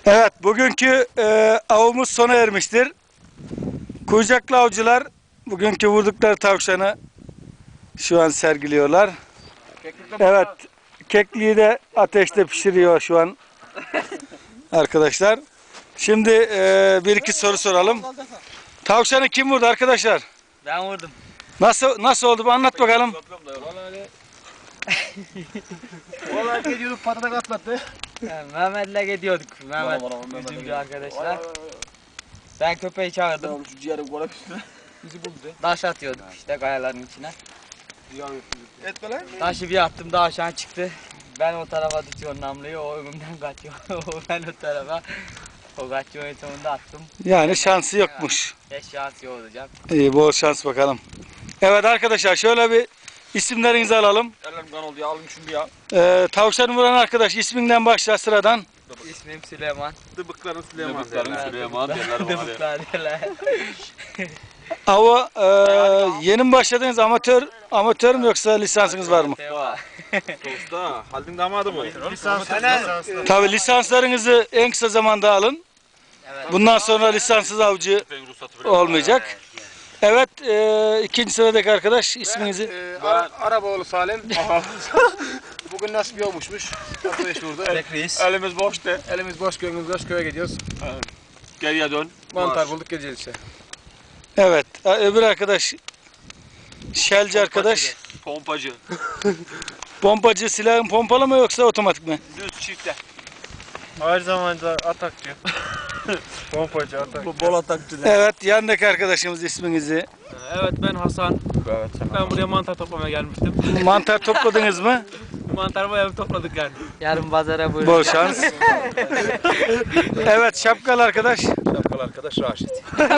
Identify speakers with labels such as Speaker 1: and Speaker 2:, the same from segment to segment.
Speaker 1: Evet, bugünkü avımız sona ermiştir. Kuyucaklı avcılar bugünkü vurdukları tavşanı şu an sergiliyorlar. Evet, kekliği de ateşte pişiriyor şu an arkadaşlar. Şimdi bir iki soru soralım. Tavşanı kim vurdu arkadaşlar?
Speaker 2: Ben vurdum.
Speaker 1: Nasıl oldu? Bir anlat bakalım.
Speaker 3: Vallahi geliyorduk patatak atlattı.
Speaker 2: Mehmet'le gidiyorduk. Mehmet bizim arkadaşlar. Ben köpeği çağırdım.
Speaker 3: Şu ciğeri kola üstüne. Bizi buldu.
Speaker 2: Taş atıyorduk işte kayaların içine.
Speaker 3: Etme lan.
Speaker 2: Taşı bir attım daha aşağı çıktı. Ben o tarafa tutuyorum namluyu, o önümden kaçıyor. Ben o tarafa. O kaçıyor, en sonunda attım.
Speaker 1: Yani şansı yokmuş.
Speaker 2: Beş şansı olacak.
Speaker 1: İyi, bol şans bakalım. Evet arkadaşlar, şöyle bir isimlerinizi alalım.
Speaker 3: Ellerim kan oldu ya, alın şunu bir ya.
Speaker 1: Tavşanı vuran arkadaş isminden başla sıradan.
Speaker 2: İsmim Süleyman.
Speaker 3: Dıbıkların Süleyman.
Speaker 2: Dıbıklar derler.
Speaker 1: Ava yeni mi başladınız? Amatör mü yoksa lisansınız var mı?
Speaker 3: Usta, Haldun damadı mı? Lisans.
Speaker 1: Tabii lisanslarınızı en kısa zamanda alın.
Speaker 2: Evet.
Speaker 1: Bundan sonra lisanssız avcı olmayacak. Evet, ikinci sıradaki arkadaş isminizi.
Speaker 3: Arabaoğlu Salim. Bugün nasip yokmuşmuş. Arkadaş burada.
Speaker 2: Bekleyiz.
Speaker 3: Elimiz boştu. Elimiz boş, gönlümüz boş, köye gidiyoruz.
Speaker 4: Geriye dön.
Speaker 3: Mantar bulduk, geleceğiz işte.
Speaker 1: Evet, öbür arkadaş şelci arkadaş.
Speaker 4: Pompacı.
Speaker 1: Pompacı, silahın pompalı mı yoksa otomatik mi?
Speaker 4: Düz çifte.
Speaker 3: Her zaman da atakçı. Pompacı, atakçı.
Speaker 4: Bol atakçı.
Speaker 1: Evet, yanındaki arkadaşımız isminizi.
Speaker 5: Evet ben Hasan. Ben buraya mantar toplamaya gelmiştim.
Speaker 1: Mantar topladınız mı?
Speaker 5: Mantar bayağı bir topladık yani.
Speaker 2: Yarın pazara buyurun.
Speaker 1: Bol şans. Evet, şapkalı arkadaş.
Speaker 3: Şapkalı arkadaş Raşit.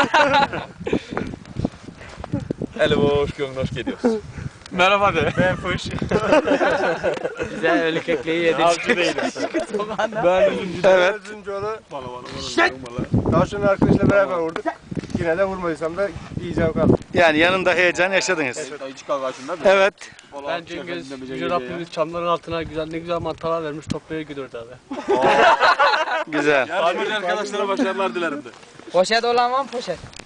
Speaker 3: Eli boş, gönlü hoş geliyoruz.
Speaker 4: Merhaba de.
Speaker 3: Ben fış.
Speaker 2: Güzel ölü kekliği yedik.
Speaker 3: Avcı değilim.
Speaker 1: Evet.
Speaker 3: Özüncüoğlu. Tavşanın arkadaşla beraber vurduk. Yine de vurmadıysam da iyi zevk aldım.
Speaker 1: Yani yanında heyecan yaşadınız.
Speaker 4: Ayıcı kavgasında mı?
Speaker 1: Evet.
Speaker 5: Ben Cengiz, Yüce Rabbimiz çamların altına ne güzel mantarlar vermiş, toplaya gidiyoruz abi.
Speaker 1: Güzel.
Speaker 4: Yarışmacı arkadaşlara başarılar dilerim de.
Speaker 2: Poşet olan var mı poşet?